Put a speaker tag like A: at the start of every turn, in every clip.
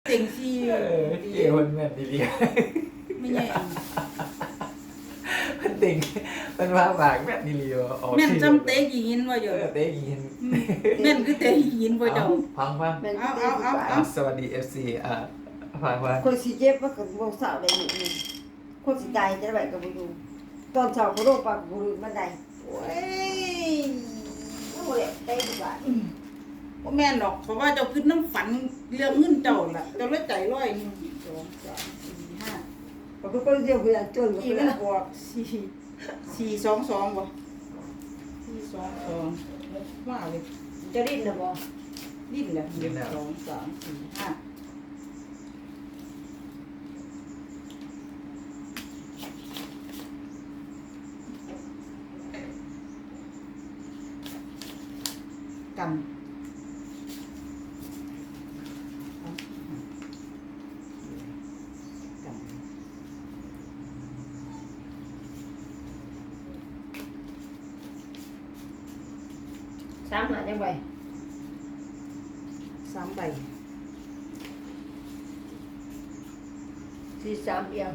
A: ต็งซี่
B: เกี่ยวมันแม่นดี
A: ไม่ใช่
B: ๆมันติ่งมันว่าปากแม่นดีๆออก
A: แม่นจำเตะกี่หินว่าอยู่
B: เต้ยิน
A: แม่นคือเตะกี่หินบ่เจ้า
B: ฟัง
C: แม่น
A: เอา
B: สวัสดี FC ฟัง
C: คนสิเจ็บว่ากับบ่สาวได้นี่คนสิตายจะได้ก็บ่อยู่ตอนเช้าก็ลงปากบ่รู้มันได้โอ้ยโอ้ยได้ดีกว่า
A: บ่แม่นหรอกเพราะว่าเจ้าคือน้ำฝันเรื่องเงินเจ้าล่ะเจ้าเลยใจร้อย1 2 3 4 5
C: ก็เป็นคนเดียวเพื่อนจนก็
A: กี่
C: เพื่
A: มั
C: อน
A: นบวก4 2 2บ่4 2 2ว่าเลย
C: จะดิ้นน่ะบ่
A: ดิ้นแหละ1 2 3 4 5กันกัน
C: สามหาจังไว้
A: 3 ใบ
C: 43เอียง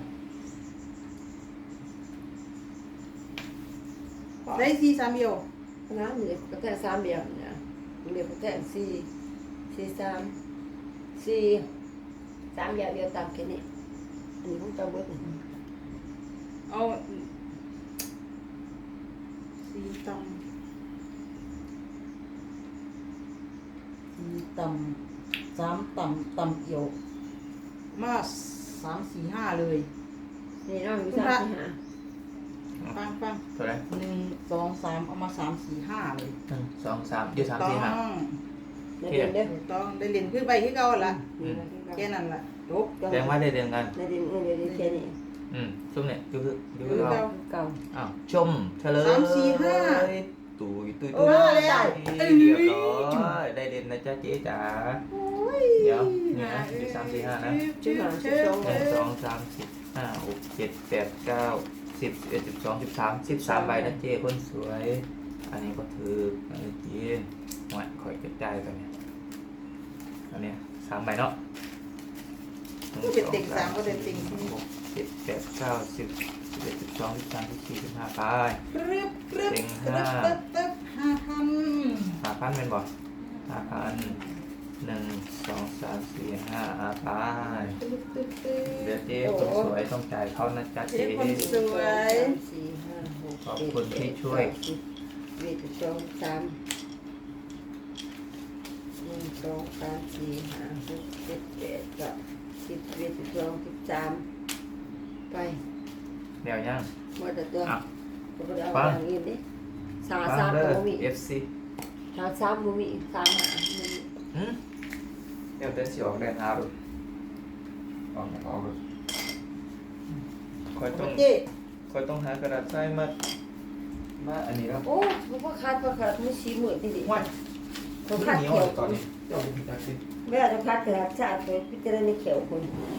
A: ได้4 3เดียว
C: น้ำนี่ก็แท้3เอียงนะเรียกก็แท้4 3อย่างเดียวตามแค่นี้อันนี้ของเจ้าเบิดนี่
A: เอา4ต่ำ4ต่ำ3ต่ำต่ำเอี่ยวมา3 4 5เลย
C: นี่เนาะอยู่
A: คุณพระ
C: 3 4 5
A: ฟัง
B: เท่าไหร่
A: 1 2 3เอามา3 4 5เลย
B: 1 2 3อยู่3 4 5
C: เดี๋ยวเด้อ
A: ถูกต้องได้เรียนขึ้นไปที่เก่าละ
C: นี่
A: แค่นั้นล่ะจบ
B: แสดงว่าได้เรียนกัน
C: ในดินเดี๋ยวแค่นี้
B: ซุ่มเนี่ยอยู่คือ
A: คือ
B: เรา
A: เก่า
C: เก่า
B: อ้าวชมเฉลย
A: 3 4
B: ตุยตุย
A: โอ้
B: ตุย
A: แล้ว
B: เรียบร้อยได้เรียนนะจ๊ะเจ๊จ๋าเดี๋ยวเนี่ยอยู่3 4 5นะ
C: ชื่อหาชื่อ
B: 1 2 3 4 5 6 7 8 9 10 11 12 13 13 ใบนะเจ๊คนสวย อันนี้ก็ถืออันนี้จีนหน่อยคอยกระจายกันเนี่ยอันเนี้ย3 ใบเนาะ
A: ก็เป็นติ่ง3ก็เป็นติ่ง4
B: 6 7 8 9 10 11 12 13 14 15ไป
A: กรึบกรึบ
B: ติ่ง
A: กรึบ
B: 5
A: ตึ๊บตึ๊บ5,000
B: 5,000เป็นบ่5,000 1 2 3 4 5ไป
A: ตึ๊บตึ๊บตึ๊บ
B: เดี๋ยวเจ๊คนสวยต้องจ่ายเขานะจ๊ะ
A: เจ๊
B: เจ๊
A: คนสวย
C: 4 5 6
B: ขอบคุณที่ช่วย
C: เวท2 3 1 2 3 4 5 6 7 8 9 10เวท12 13ไป
B: เดี๋ยวยัง
C: หมดตัว
B: อ่ะ
C: ก็บ่ได้เอาอย่างอื่นดิสา
B: ฟัง
C: 3
B: เด้
C: ก็
B: อ
C: บ่มี
B: FC
C: สา3บ่มี3หา
B: หืมเดี๋ยวเดินสิออกเดินหาดูออกดูคอยต้อง
A: เจ๊
B: หากระดาษทรายมาอันนี้แล้ว
C: โอ้บ่ขาดมัน4มื้อติดิ
B: ห้วย
C: บ่
B: มัน
C: ขาด
B: เหนียว
C: เขียว
B: ตอนนี้เจ้าดูจักสิ
C: แม่จะขาดกระดาษชาติพิจารณาเขียวคน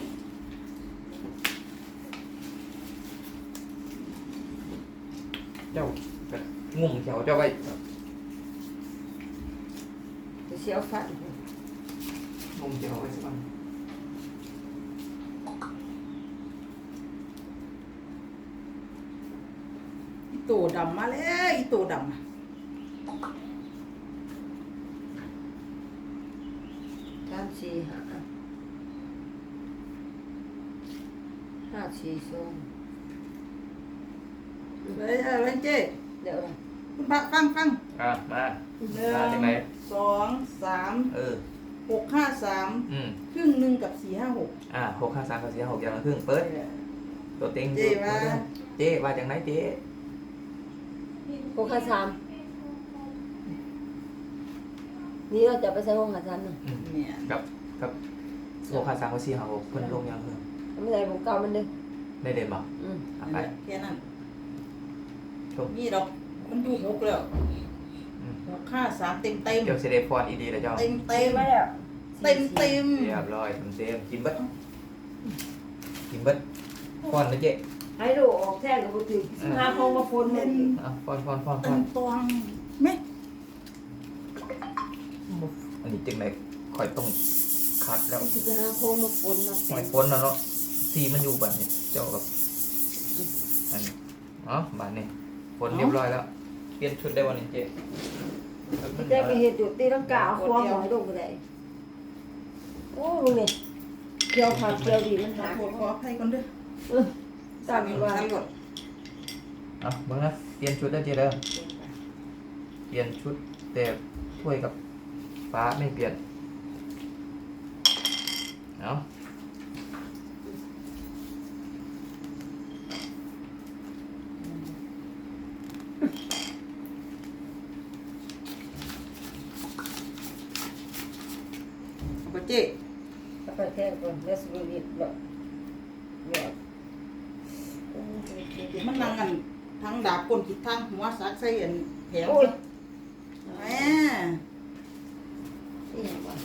B: เจ้าก็งุ่มแถวเจ้าไว้
C: จะเสียวฟัน
B: งุ่มแถวไว้สักวัน
A: อีโตดำมาแล้วอีโตดำ
C: 3 4 5 5 4 2
A: เลยเจ๊
C: เดี๋ยวนะ
A: คุณพระฟัง
B: มา
A: 1
B: มาจากไหน
A: 2 3 6 5 3ครึ่งหนึ่งกับ4 5 6
B: 6 5 3 4 6อย่างละครึ่งเปิดตัวเต็ง
A: เจ๊ว่า
B: เจ๊ว่าจากไหนเจ๊
C: 6 5 3นี่เราจะไปใส่6 5 3นึง
A: เนี่ย
B: กับ6 5 3 4 5 6เพิ่นลงยังเพิ่น
C: ไม่ได้ผมเก่ามันเด้อ
B: ได้เด่นบ่
A: นั่น
B: ไป
A: แหละแค่นั้น
B: ชม
A: นี่ดอกมันอยู่6แล้ว6 5 3เต็มเต็ม
B: เดี๋ยวสิได้พรอีดีแล้วเจ้า
A: เต็มเต็ม
C: มาแล้ว
A: เต็มเต็ม
B: เรียบร้อยเต็มกินเบิดพรนะเจ๊
C: ให้ดูออกแท่งกับบุตร15 พงมาฝน
A: เป็
C: เห็
A: น
C: น
B: พร
A: เต็มตวงไหม
B: อันนี้จึงไหนคอยต้องคคัดแล้ว
C: สิไปหาโค้งมาปนมา
B: หอยพ้นแล้วเนาะสีมันอยู่บัดนี้เจ้ากับอันนี้บัดนี้พ้นเรียบร้อยแล้วเปลี่ยนชุดได้วันนี้เจ๊
C: เจ๊ก็เฮ็ดอยู่ตีลังกาควงหอยลงบ่ได้โอ้ลุงนี่เกี่ยวผักเกี่ยวดีมัน
A: ขอ
C: หา
A: โทษขออภัยก่อนเด้อ
C: ตามว่า
A: สั่งก่อน
B: เบิ่งนะเปลี่ยนชุดได้เจ๊เด้อเปลี่ยนชุดแต่ถ้วยกับฟ้าไม่เปลี่ยนเอา
A: เอาไปเจ๊
C: เอาไปแทงก่อนแล้วสิบ่รีบแบบแบบ
A: มันนั่งกันทั้งดาบก้นคิดทั้งหัวซักใส่อันแผง
C: โอ้ย
A: แหม
C: นี่หยังวะ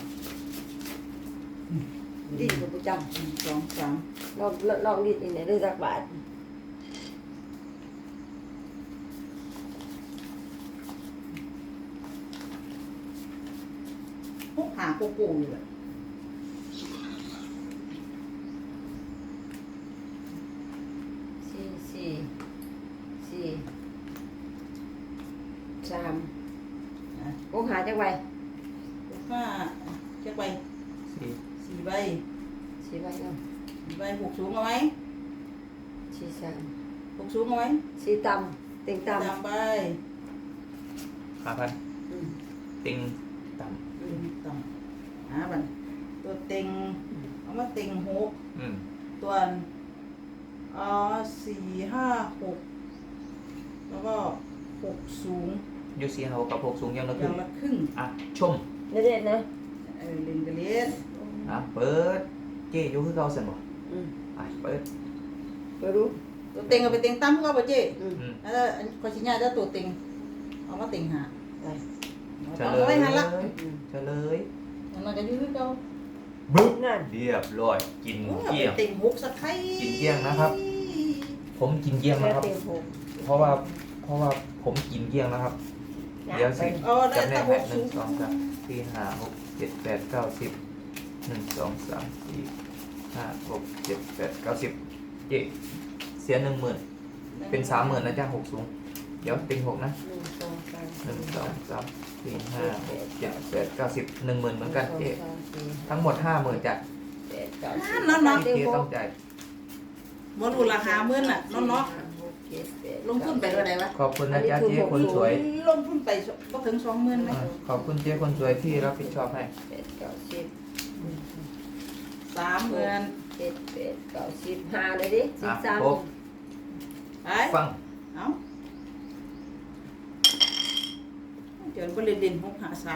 C: ดีกว่าประจำ
A: 1 2 3
C: ลองดีดนี่ได้ด้วยจักบาท
A: พวกหาโกโก้อยู่แหละ
C: 4 3
A: นะ
C: โอ้หาจักใบ
A: พวกห้าจะไป
B: สี่
A: 4 ใบ
C: 4ใบเนาะ
A: 4 ใบ6สูงเอาไหม
C: 4 3
A: 6สูงเอาไหม
C: 4ต่ำเต็งต่ำ
A: ตามไป
B: 5,000
C: อืม
B: ติงต่
A: ต่ำบันตัวเต็งเอามาเต็ง6
B: ำ
A: ตัว4 5 6แล้วก็6สูง
B: ยูซีเขากับ6สูงยังละ
A: อ
B: ครึ่
A: ย่าง งละครึ่ง
B: ชม
C: เด็ดๆนะ
A: เล่นกันเล่น
B: เปิดเจ๊อยู่คือเก่าซั่นบ่
C: อืม
B: เปิด
C: ไปดู
A: ตัวเต็งเอาไปเต็งตั้มก็เอาไปเจ๊
C: อืม
A: แล้วอันคอยชิ้นใหญ่แล้วตัวเต็งเอามาเต็งหา
C: ไป
B: เฉ
A: เอา
B: ล
A: ไว้
B: ย
A: หันละ
C: อืม
B: เฉลย
A: อันนั้นก็อยืดเก่า
B: บึ๊บ
C: นั่น
B: เรียบร้อยกิน
A: โอ้ย
B: เกลี้ยง
A: เต็งหกสักไข่
B: กินเกลี้ยงนะครับ ผมกินเกลี้ยง
C: แค่
B: นะครับ
C: เต็มหก
B: เพราะว่าผมกินเกลี้ยงนะครับ เดี๋ยวสิ
A: เอาได้
B: จำแน
A: แต่
B: ก
A: ห
B: ให้
A: ก
B: ห
A: สู
B: นึ่ง
A: ง
B: สองสามสี่ห้าหกเจ็ดแปดเก้าสิบ1 2 3 4 5 6 7 8 9 10เจ๊เสีย10,000เป็น30,000นะจ้า6สูงเดี๋ยวติง6นะ
C: 1 2 3
B: 1 2 3 4 5 6 7 8 9 10 10,000เหมือนกันเจ๊
C: 4
B: ทั้งหมด50,000จ้ะ
C: 8 9 10
B: ที่เจ๊ต้องจ่าย
A: บ่รู้ราคาเมื่อน่ะเนาะลงทุนไปเท่าไหร่วะ
B: ขอบคุณนะจ๊ะเจ๊คนสวย
A: ลงทุนไปบ่ถึง20,000ไหม
B: ขอบคุณเจ๊คนสวยที่รับผิดชอบให้
C: 8 9 10
A: 30,000
C: 7 8 9 10 5เลยดิ13
B: ครบ
A: ไป
B: ฟัง
A: เอาเดี๋ยวก็เล่นเด่น6 5 3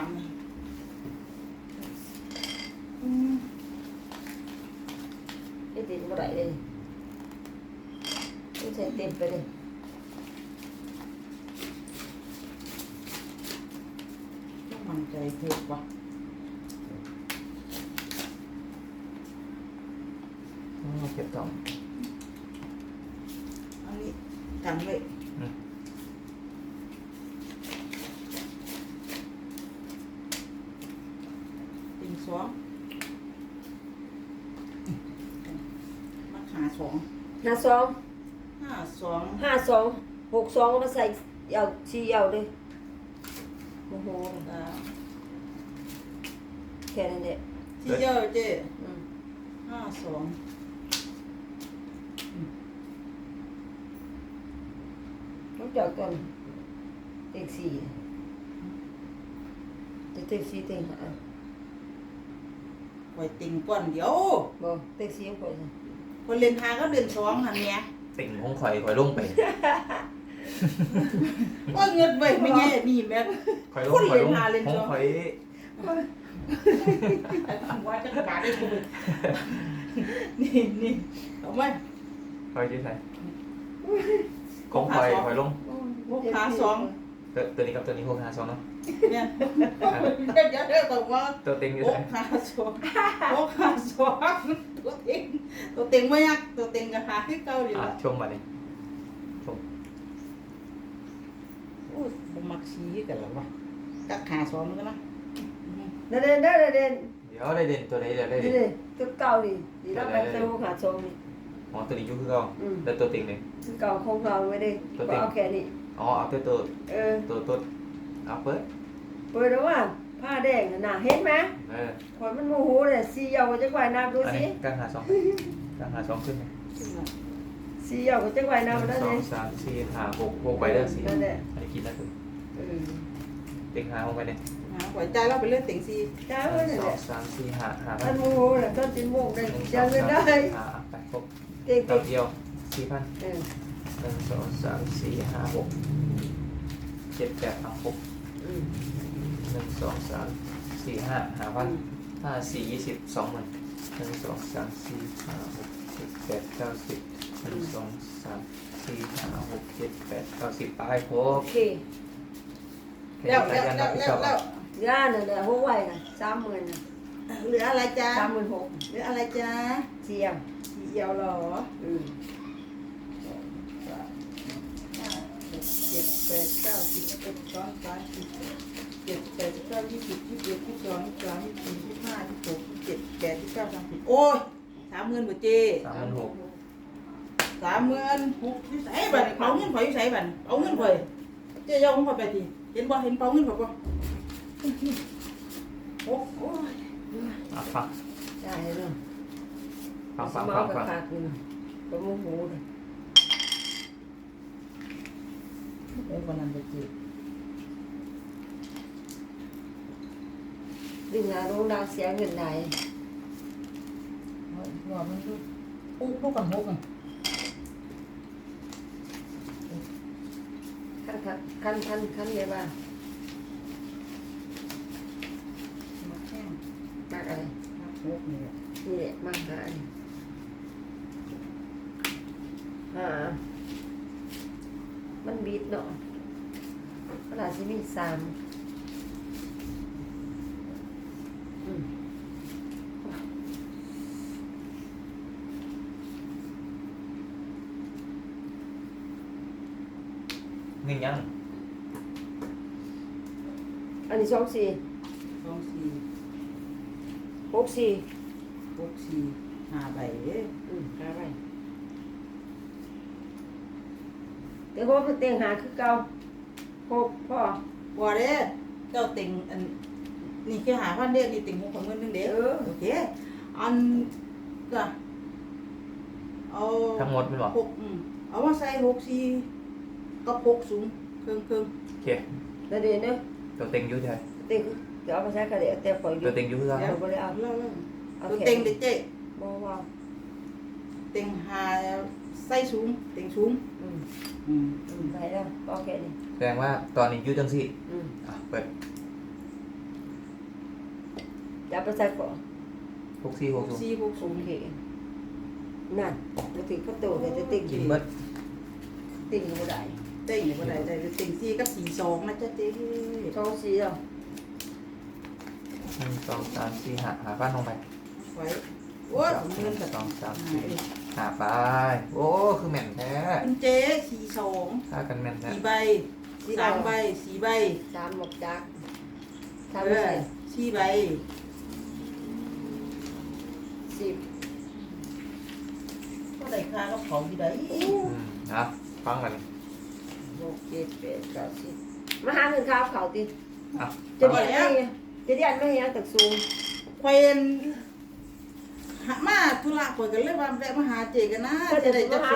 A: อืม
C: เฮ็ดดินบ่ได้เลยต้องใส่เต็มไปเลย
A: ต้องมั่นใจเถิดว่ะ
B: เก็บต่อ
A: อันนี้กันไว้ ติงสองมาขาสอง
C: 52
A: 52
C: 62มาใส่เอาชี้เอาเลยโอ้โห แค่นั้นแหละ
A: ที่เยอะเจ๊
C: อืม
A: 52
C: ต้องจอดก่อนเต็งสี่จะเต็งสี่เต็งห้า
A: ไว้ติงก่อนเดี๋ยว
C: บ่เต็งสี่ยังก่อน
A: คนเล่นหาก็เล่นสองหันเนี้ย
B: ติ่งของข่อยลงไป
A: ว่าเงินไว้ไม่แง่นี่แม่
B: ข่อยลง
A: คน
B: ข่อย
A: เล่
B: ล
A: น
B: ง
A: หาเล่น
B: ของ
A: สอง
B: ข่อย
A: ว่าจะบาดได้กูนี่เอาไหม
B: ข่อยจะใส่ของข่อยลง
A: พวกขาสอง
B: ตัวนี้กับตัวนี้652เนาะ
A: เนี่ยเดี๋ยวต้องว่า
B: ตัวติ่งอยู่
A: พว
B: ไห
A: ก
B: น
A: ขาสองพวกขาสองตัวเต็งไม่ยากตัวเต็งก็หาที่เก่าดีละ
B: ชมมาดิชม
A: โอ้ผมมักชี้กันแล้ววะกักขาสองกันนะ
C: เดิน
B: เดี๋ดี๋ยวได้เด่นตัวไหนเดี๋ยวได้
C: นี่
B: เด่น
C: เลยตัวเก่าดิดีแล้วไปเต้าหาชมนี่
B: อ๋อตัวนี้อยุ่คือเขาแล้วตัวติ่งเลย
C: ตัวเก่าคงเราไม่ได้ก็เอาแค่นี้
B: อ๋อเอาตัว
C: เออ
B: ตัวเอาเปิด
C: เปิดแล้วว่าผ้าแดงน่ะเห็นไหม
B: เออ
C: ขอนมันโมโหเลยสีเยาว์จะไหวน้ำดู
B: อัน
C: สิ
B: นี้กางหาสองกางหาสองขึ้นไหม
C: สีเยาว์จะไหว
B: หนึ่
C: น้ำ
B: ง
C: ได้
B: สอ
C: เล
B: ง
C: ย
B: สามสี่ห้าหกใบเด้อสี่
C: นั่นแหละ
B: อันนี้กินได้คือ
C: เออ
B: ติ่งหาลงไปเนี่ย
A: หัวใจเราไปเลือกเต็งซี
C: จ้า
B: ห
C: เว้ย
B: นึ่ง
C: นั่น
B: สอ
C: แห
B: ง
C: ละ
B: สามสี่ห้า
C: มันโมโหเลยต้นจินโมกได้
B: หนึ่งส
C: จะ
B: อง
C: เงิน
B: สาม
C: ได้
B: สี่ห้าไปครบ
C: เก่ง
B: ดอกเดียว4,000
C: เออ
B: หนึ่งสองสามสี่ห้าหกเจ็ดแปดเอาหก
C: อืม
B: หนึ่งสองสามสี่5,000 5 4 20 20,000หนึ่งสองสามสี่ห้าหกเจ็ดแปดเก้าสิบหนึ่งสองสามสี่ห้าหกเจ็ดแปดเก้าสิบไปคร
C: โอบ เค
A: แล้ว
C: ย่าเนี่ยเนี่ยหัวไหวนะ30,000นะ
A: เหลืออะไรจ้า
C: 36,000
A: เหลืออะไรจ้า
C: เสียง
A: สีเอียวหรอ
C: อืม
A: เจ็ดแปดเก้าสิบเอ็ดสองสามสี่เจ็ดแปดเก้า20 21 22 23 24 25 26 27 28 29 30โอ้ย30,000บ่เจ
B: 36,000
A: 36,000อยู่ไสบัดนี้เป๋าเงินข่อยอยู่ไสบัดนี้เอาเงินข่อยเจ๊ยอมของข่อยไปทีเห็นบ่เห็นเป๋าเงินข่อยบ่โอ้ย
B: อ่ะฟัง
C: ได้เลย
B: ฟัง
C: เมากับขาดอยู่นะก็โมโหเลย
A: เอ้ยวันนั้นบ่เจ
C: ดึงหาโรงดาวเสียเงินไหน
A: ว่ามันคือปุ๊กกันหกอ่ะ
C: ขั้นเลยว่า
A: มาแข้ง
C: มากอะไร
A: มาหกนี่แหละ
C: นี่แหละมากหามันบีบเนาะขนาดที่มี3อืม
B: เงินยัง
C: อันนี้24
A: 2 4
C: 64
A: 6 4 5ใบเด้อ
C: หาไปแต่ว่าเต็งหาคือเก่า6พ่อ
A: บ่เด้อเจ้าติ่งอันนี่คือ5,000เด้อนี่ติ่ง6ของเงินนึงเด้อโอเคอันก็เอา
B: ทั้งหมดเป็นบ่
A: หกเอามาใส่64กับ6สูงครึ่ง
B: โอเค
C: แล้วเดี๋ยวนี้
B: ตัวเต็งอยุ่ใช่
C: เต็งเดี๋ยวเอาไปใช้กระเดียแต่ปล่อยอ
B: ตั
C: ยู่
B: วเต็งอยุ่คือ
A: ๆ
B: กัน
A: เดี๋ยว
C: บ่ได้เอา
A: เล่า
C: เอา
A: ตัว
C: แค่
A: เต็งเด้อเจ๊
C: บ่ว่า
A: เต็งหาใส่สูงเต็งสูง
C: ไปแล้วโอเคนี่
B: แสดงว่าตอนนี้อยุ่จังสิอ่ะเปิด
C: อย่าไปใส่ก่อน
B: 64 60
A: 64
C: โอ
A: 60
C: เคนั่นมาถึงประตูเนี่ยจะติ่ง
B: กินเบิด
C: ติ่งบ่ได้
A: เต็งบ่ได้ได้เต็ง4กับ42นะจ๊ะเจ๊
C: ท้องสีอ่ะ
B: 1 2 3 4 5 5,000ลงไป
A: ไว้โอ้ยเงิน
B: 1
A: แบบ
B: 2 3 4 5ไปโอ้คือแม่นแท้
A: คุณเจ๊42
B: ถ้ากันแม่นแท้
A: 4ใบ3ใบ4ใบ
C: 3หมกจัก
A: เอ
C: 3ไม่
A: อ
C: ใส่
A: 4ใบ
C: 10
A: ก็ได้ค่ากับเขาที่ใด
B: นะฟังกัน
C: 6 7 8 9 10มาหาเงินข้าวเขาติ
B: อ่ะ
C: จะเรียนไม่จะเรียนไม่ยังตึกสูง
A: ควยเอ็นหามาธุระข่อยก็เลยว่าแวะมาหาเจกันนะจะได้จัก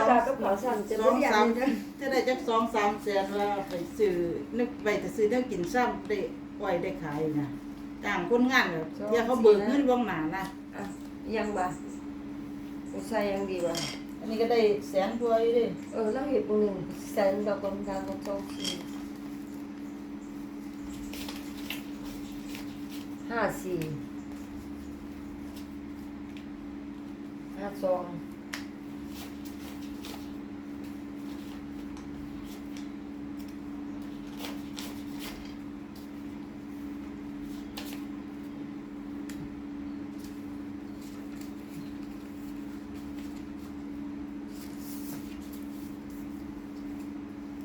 A: จะได้จัก2-3แสนว่าไปซื้อนึกไปจะซื้อเรื่องกินซ้ำได้ไว้ได้ขายนะจ้างคนงานแบบอย่าเขาเบิกเงินล่วงหน้านะ
C: อ่ะยังบ่ใส่ยังดีบ่
A: อันนี้ก็ได้แสนตัวอยู่ดิ
C: แล้วเห็ดปุ่นึงแสนดอกกลมดาวกลมโตสี่52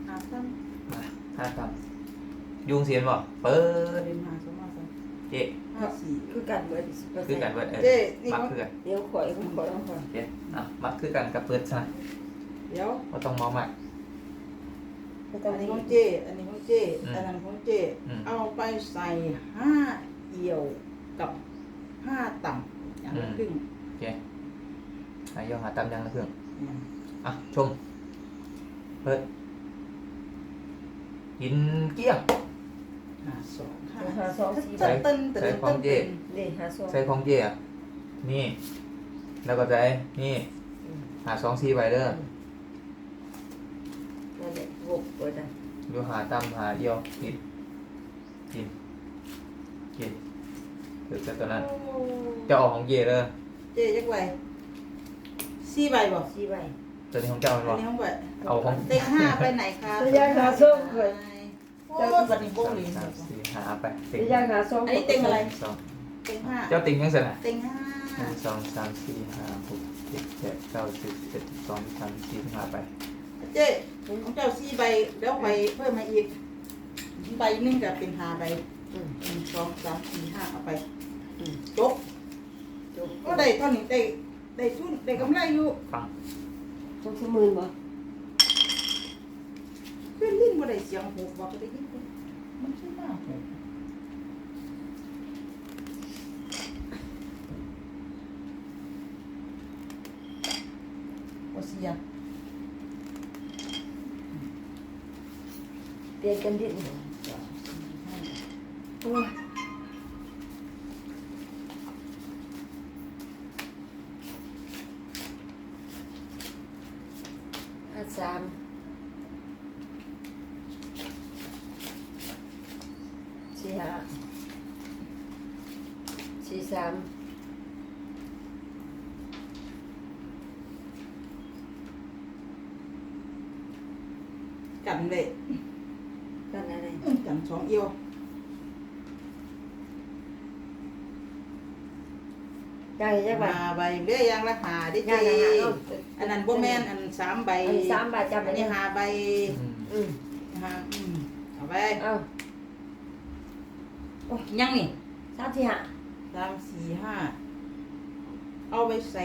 A: 5,000
B: 5,000ยุงเสียนบ่เปิด
A: เรียนหา2มา3
B: เจ๊
A: 5 54
C: คือกันเบิด
B: คือกันเบิด
A: เจ๊นี่
B: มัก
A: เขา
B: คือกัน
C: เดี๋ยวข่อยของข่อยของข่อย
B: โอเคมักคือกันกับเปิดซะ
A: เดี๋ยว
B: บ่ต้องเมามัก
C: ไม่ต้อ
A: อั
C: ง
A: นนี้
C: นี่
A: ของเจ อันนี้ของเจ อันนั้นของเจ เอาไปใส่5เอี่ยวกับ5ต่ำอย่างละครึ่ง
B: โอเคหายอหาตามยังละเครื่องอ่ะชมเปิดกินเกลี้ยง
C: หาซองสี่ใบ
A: ตึ้นตึ้นตึ้น
B: ใส่ของเจ๊
C: นี่หาซอง
B: ใส่ของเจ๊อะนี่ แล้วก็ใส่นี่หา2-4ใบเด้อ
C: นั่นแหละหกเบิดอ่ะ
B: อยู่หาตามหาเอี่ยวกินกินกินถือแต่ตัวนั้นจะออกของเจ๊เด้อ
A: เจยักใบ4ใบบ่
C: สี่ใบ
B: ตัวนี้ของเจ้ามัน
A: อั
B: บ่
A: นนี้ของใบ
B: เอาของ
A: เต็ง5ไปไหนคะ
C: จะยังหาซองข่อย
A: โอ้ยบัดนี้โบ้เลย
B: 3-4หาไป
C: จะยังหาซอง
A: อันนี้เต็งอะไร
B: สอง
A: เต็ง
B: เจ้าติงยังเสร็จอ่ะ
A: 5เต็ง
B: 1 2 3 4 5 6 7 8 9 10 11 12 13 14 15ไป
A: 5เจ๊ของเจ้า4ใบแล้วใบเพิ่มมาอีกใบนึงก็เป็น5ใบ 1 2 3 4 5เอาไปจบ
C: จบ
A: ก็ได้เท่านี้ได้ทุนได้กำไรอยู่
B: ฟัง
C: ทุกสมื่นบ่
A: เพื่อนลิ้นบ่ได้เสียงหูบอกก็ได้ยินมันใช่มากเลยบ่เสีย
C: เปลี่ยนกันดิโอ้ยห้าสามสี่ห้าสี่สาม
A: กันเลย
C: กันอะไร
A: กันสองเอียว
C: ยังอีกจักใบ
A: มาใบเรื่อยยังละหาได้
C: ยั
A: เจ
C: งเนาะ
A: อันนั้นบ่แม่นอัน3ใบ
C: อันนี้3ใบจำ
A: อั
C: ไว้
A: น
C: เนี่
A: นี้
C: ย
A: 5ใบ
C: อืม
A: ห้าเอาไป
C: เอา
A: ยังนี่
C: สามที่ห้า
A: 3 4 5เอาไปใส่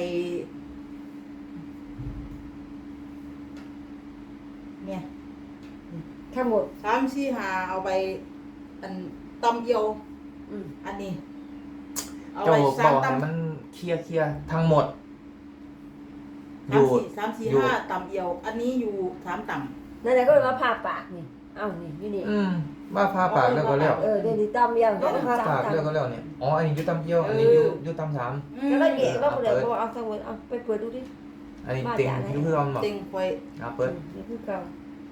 A: เนี่ย
C: ทั้งหมด
A: 3 4 5เอาไปอันตำเอียว
C: อืม
A: อันนี้เอา
B: เจ้า
A: ไป
B: บอก
A: 3
B: ให้
A: ตำ
B: มันเคลียร์ทั้งหมด อยู่
A: 3 4 5ตำเอียว อันนี้อยู่3ตำ
C: นั่นแหละก็เลยมาผ่าปากนี่ เอ้านี่อยู่นี่
B: ว่าพาปากแล้วก็แล้ว
C: เดี๋ยวนี้ตำเดียว
B: ก็พาปากแล้วก็แล้วเนี่ยอ๋ออันนี้อยู่ตำเยี่ยวอันนี้อยู่ตำสาม
C: ก็เลยเบียดว่าคนเดียวบอกเอาทั้งหมดเอาไปเปิดดูดิ
B: อันนี้ติงอยู่เพื่อนบอก
A: เต็งคอย
B: เปิด
C: นี่คือเก่า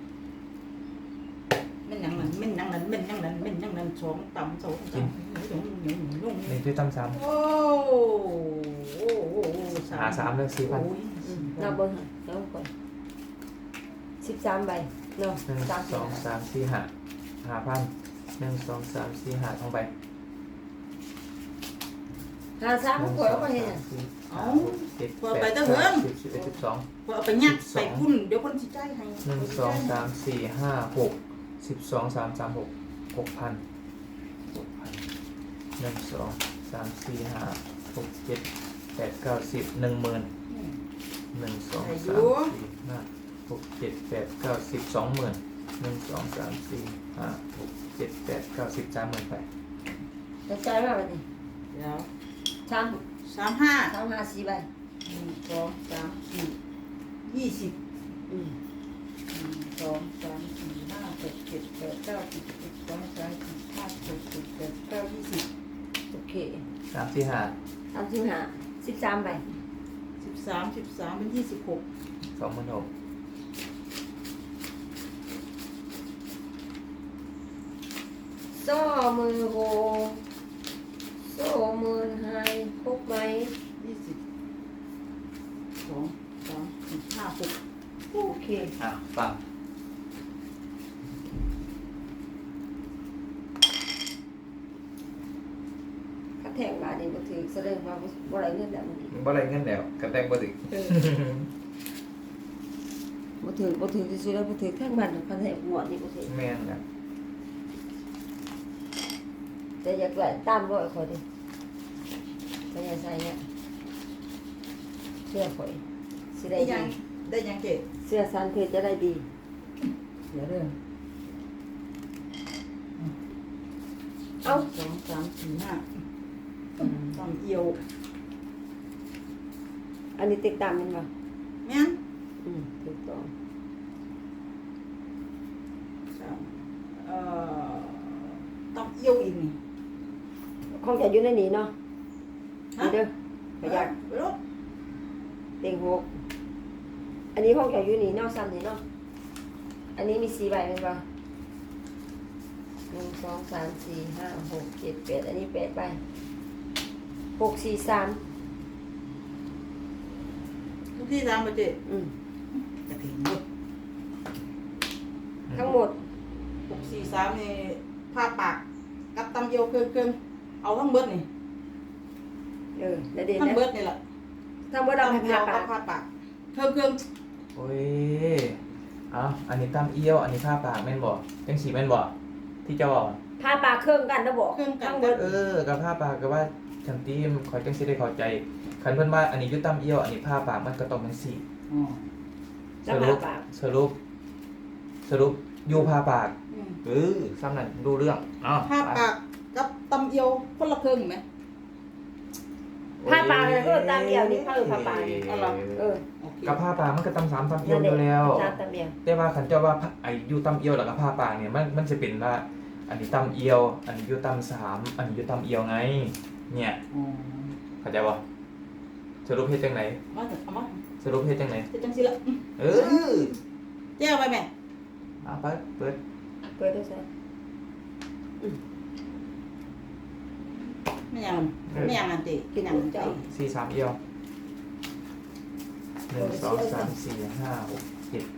A: แม่นหยังนั้นแม่นหยังนั้นแม่นหยังนั้นแม่นหยังนั้นสองตำสองตำ
B: นี่อยู่ตำสาม
A: โอ้โอ้
B: หา3เลย4,000
C: เราเบิ่งเราก่อน13ใบเนาะ
B: 1 2 3 4 5 5,000 1 2 3 4 5ท่องไป
C: 53ข่อยเอามาเฮ็ดหยัง
A: เอา
B: 7
A: พอไป
B: 8
A: ตั้งเหิง
B: 9 10 11 12
A: พอเอาไปยัดใส่คุณเดี๋ยวคนสิจ่ายให้
B: 1 2 3 4 5 6 12 3 3 6 6,000 1 2 3 4 5 6 7 8 9 10 10,000 1 2 3 4 5 6 7 8 9 10 20,000 1 2 3 4 5 6 7 8 9 10 30,000ไป
C: จะจ่ายมาบัดนี้
A: เดี๋ยว
C: 3
A: 35
C: 3 5 4ใบ
A: 1 2 3 4 20
C: อืม
A: 1 2 3 4 5 6 7 8 9 10 11 12 13 14 15 16 17 18 19
C: โอเค
B: 3 4 5
C: 35 13ใบ
A: 20 13เป็น26
B: 26,000
C: ซ้อมือโหโซ่มือไฮพกไหม
A: 20 2 3 4 5 6
C: โอเค
B: ฟัง
C: ถ้าแทงมานี่บ่ถือแสดงว่าบ่ได้เงินแล้วมันนี่
B: บ่ได้เงินแล้วกระแตงบ่ถึง
C: บ่ถือที่สุดแล้วบ่ถือทั้งบ้านทั้งประเทศหมดนี่บ่ถือ
B: แม่นนะ
C: แต่อยากได้ตามร้อยขอดิ
B: อ
C: ไปยังใส่เนี่ยเสื้อข่อยสิ
A: ได้
C: ได้
A: ยัง
C: ดี
A: ได้ยังเจ๊
C: เสื้อซันเพชรจะได้ดี
A: เดี๋ยวเด้อ
C: เอ้า
A: สองสามสี่ห้าตำเอียว
C: อันนี้ติดตามมันป่ะ
A: แม่น
C: ถูกต้อง
A: สามตำเอียวอีกนี่
C: คงจะอยู่ในนี้เนาะนี่เด้อประหยัด
A: ไปรถ
C: เต็งหกอันนี้คงจะอยู่นี่เนาะซ้ำนี่เนาะอันนี้มี4 ใบเป็นป่ะ1 2 3 4 5 6 7 8อันนี้8 ใบ6 4 3
A: ทุกที่ตามมาเจ๊ จะถึงหมด
C: ทั้งหมด
A: 643นี่ผ้าปากกับตำเอียวเครื่องเอาทั้งเบิดนี่
C: แล้วเด่น
A: ทั้ง
C: นะ
A: เบิดนี่แหละ
C: ทั้งหมดเราให้
A: ตำเอีย
C: ผ้าว ปา
A: กั
C: ก
A: บผ้าปากเครื่อง
B: โอ้ยเอาอันนี้ตั้มเอี้ยวอันนี้ผ้าปากแม่นบ่จังสีแม่นบ่ที่เจะบอก
C: ผ้าปากเครื่องกันนะบอกทั้งหมด
B: กับผ้าปากก็ว่าฉันตีมคอยจังสิได้เข้าใจคันเพิ่นว่าอันนี้อยุตั้มเอี้ยวอันนี้ผ้าปากมันก็ต้องเป็นสี
A: อ๋อ
B: สรุปสรุปสรุปอยู่ผ้าปาก
A: อืม
B: ซ้ำนั่นดูเรื่องอ้าว
A: ผ้าปากกับตำเอียวคนละเครื่องไหม
C: ผ้าปากเนี่ยก็ตามเดียวนี่ผ้าผ้าปากนี่
A: เอาเหรอ
C: เออ
A: โอเค
B: กับผ้าปากมันก็ตำสามตำเอี้ยวอยู่แล้ว
C: ตามตามเดียว
B: แต่ว่าขันเจ้าว่าไอ้อยู่ตำเอียวแล้วก็ผ้าปากเนี่ยมันจะเป็นว่า อันนี้ตำเอียว อันนี้อยู่ตำสามอันนี้อยู่ตำเอียวไง เนี่ย
A: อ๋อ
B: เข้าใจบ่สรุปเฮ็ดจังไหน
A: มาเถอะเอามา
B: สรุปเฮ็ดจังไหน
A: จะจังสิละ
B: เออ
A: แจ้วไปแม่
B: เอาไปเปิด
C: เปิดด้วยซะ
A: ไม่ยังไม่ยังอันติกินยังใจ
B: สี่สามเอียวหนึ่งสองสามสี่ห้าหกเจ็ด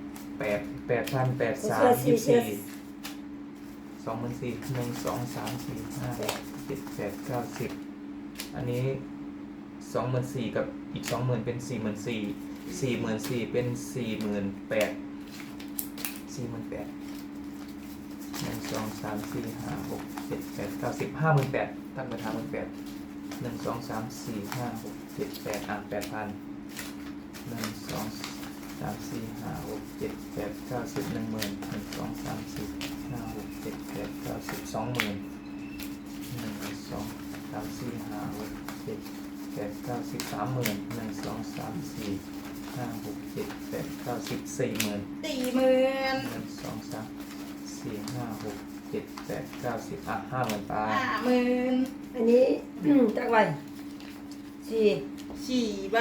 B: 8,800 23 24 1 2 3 4 5 6 7 8 9 10อันนี้24,000กับอีก20,000เป็น44,000 44,000เป็น48,000 48,000 1 2 3 4 5 6 7 8 9 10 58,000ตั้งไป58,000 1 2 3 4 5 6 7 8อ่ะ8,000 1 2 3 4 5 6 7 8 9 10 10,000 1 2 3 4 5 6 7 8 9 10 20,000 1 2 3 4 5 6 7 8 9 10 30,000 1 2 3 4 5 6 7 8 9 10 40,000
A: 40,000
B: 1 2 3 4 5 6 7 8 9 10อ่ะ50,000ไป
A: 50,000
C: อันนี้ จักใบสี่
A: 4 ใบ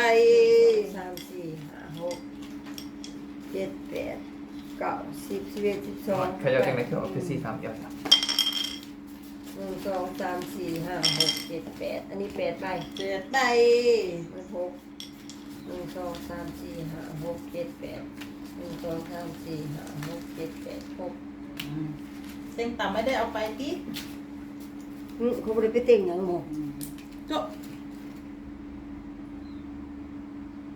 C: 3 4 5 6 7 8 9 10 11 12
B: ใครจะเอาจังไหนคือเอาไป4 3เอียวจ้ะ
C: 1 2 3 4 5 6 7 8อันนี้8 ใบ
A: 7 ใบ
C: มัน6 1 2 3 4 5 6 7 8 1 2 3 4 5 6 7 8 6
A: เต็งต่ำไม่ได้เอาไปติ
C: เขาไม่ได้ไปเต็งอย่างหมด
A: จบ